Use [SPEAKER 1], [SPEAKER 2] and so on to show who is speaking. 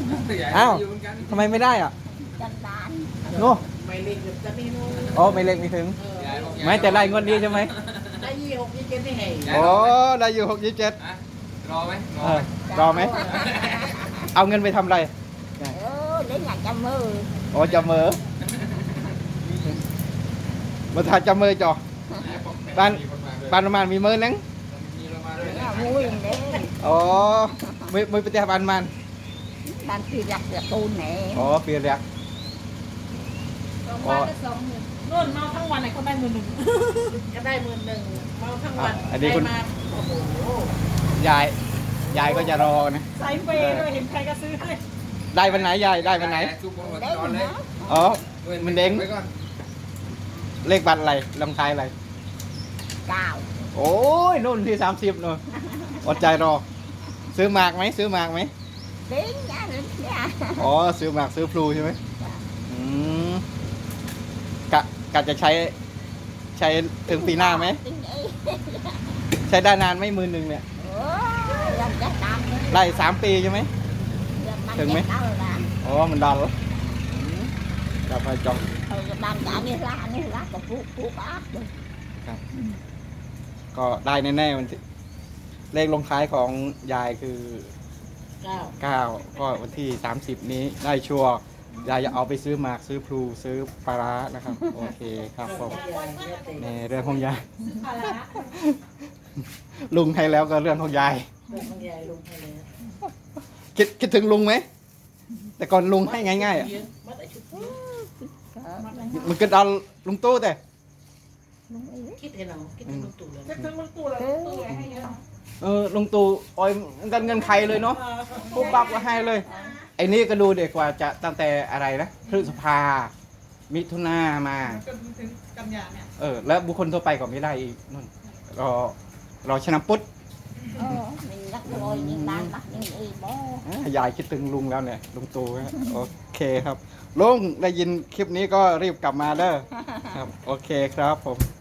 [SPEAKER 1] อ้าวทำไมไม่ได้อ่ะ
[SPEAKER 2] จันดาน
[SPEAKER 1] โน่
[SPEAKER 3] ไม่เล็กจะมีนู้น
[SPEAKER 1] อ๋อไม่เล็กไม่ถึงไม่แต่ได้งวดนี้ใช่ไหม
[SPEAKER 3] ได้26 27นี่ให้
[SPEAKER 1] อ๋อได้อยู่6 27
[SPEAKER 4] รอไหม
[SPEAKER 1] รอไหมเอาเงินไปทำอะไร
[SPEAKER 2] đến nhà cha mơ
[SPEAKER 1] อ๋อจะเมอมาถ่ายจะเมอจ่อบ้านประมาณมีเมอนัง
[SPEAKER 2] nhà vui đấy
[SPEAKER 1] อ๋อไม่ไปแต่บ้านมัน
[SPEAKER 2] ban phi giặc là tu nè
[SPEAKER 1] อ๋อเปียก
[SPEAKER 5] 2 วันก็20,000นู่นเมาทั้งวันไหนเขาได้10,000
[SPEAKER 3] ก็ได้11,000เมาทั้งวันมาโอ้โห
[SPEAKER 1] ยายก็จะรอนะ
[SPEAKER 5] ใส่เปย์ด้วยเห็นใครก็ซื้อให้
[SPEAKER 1] ได้วันไหนยายได้วันไหน
[SPEAKER 4] ซุปน
[SPEAKER 2] đấy
[SPEAKER 4] อนเลย
[SPEAKER 2] hả
[SPEAKER 1] อ๋อมันเด้ง
[SPEAKER 4] ไว้ก่อน
[SPEAKER 1] เลขบัตรอะไรลำไทายอะไร
[SPEAKER 2] cào
[SPEAKER 1] โอ้ยนู่นที่30นู่นอดใจรอ ซื้อหมากไหมซื้อหมากไหม
[SPEAKER 2] đến nhà đến nhà
[SPEAKER 1] อ๋อซื้อหมากซื้อพลูใช่ไหมอืมกะจะใช้ถึงปีหน้าไหม
[SPEAKER 2] Tính đi
[SPEAKER 1] ใช้ได้นานไหม11,000เนี่ย
[SPEAKER 2] làm chắc làm
[SPEAKER 1] ได้3 ปีใช่ไหม Đừng mấy.
[SPEAKER 2] đâu là
[SPEAKER 1] อ๋อมันดันแล้วจับไปจอง
[SPEAKER 2] làm cả như lá của phú bác được
[SPEAKER 1] ก็ได้แน่ๆวันที่เลขลงท้ายของยายคือ
[SPEAKER 3] 9
[SPEAKER 1] 9ก็วันที่30นี้ได้ชัวร์ยายจะเอาไปซื้อหมากซื้อพลูซื้อปลาร้านะครับ โอเคครับผมในเรื่องของยาย
[SPEAKER 5] อะไรนะ
[SPEAKER 1] ลุงให้แล้วก็เรื่องของยาย
[SPEAKER 3] เรื่องของยายลุงให้เลย
[SPEAKER 1] คิดถึงลุงไหมแต่ก่อนลุงให้ง่ายๆอ่ะ
[SPEAKER 3] มัดไอ้ชุด
[SPEAKER 1] มันก็ดันลุงตู้แต่
[SPEAKER 3] คิดให้เราคิดถึงลุงตู่เลย
[SPEAKER 5] จะซื้อลูกตู้เลยตู้เลยให้เยอะ
[SPEAKER 1] ลุงตู่อ้อยกันเงินใครเลยเนาะปุ๊บปั๊บก็ให้เลยไอ้นี่ก็ดูเด็กกว่าจะตั้งแต่อะไรนะพฤษภามิถุนามา
[SPEAKER 5] จนถึงกันยาเนี่ย
[SPEAKER 1] แล้วบุคคลทั่วไปก็ไม่ได้อีกนู่นรอชนะปุ๊ด
[SPEAKER 2] mình nhắc rồi nhưng ban bắt nhưng đi bố
[SPEAKER 1] ยายคิดถึงลุงแล้วเนี่ยลุงตู่ฮะโอเคครับลุงได้ยินคลิปนี้ก็รีบกลับมาเด้อครับโอเคครับผม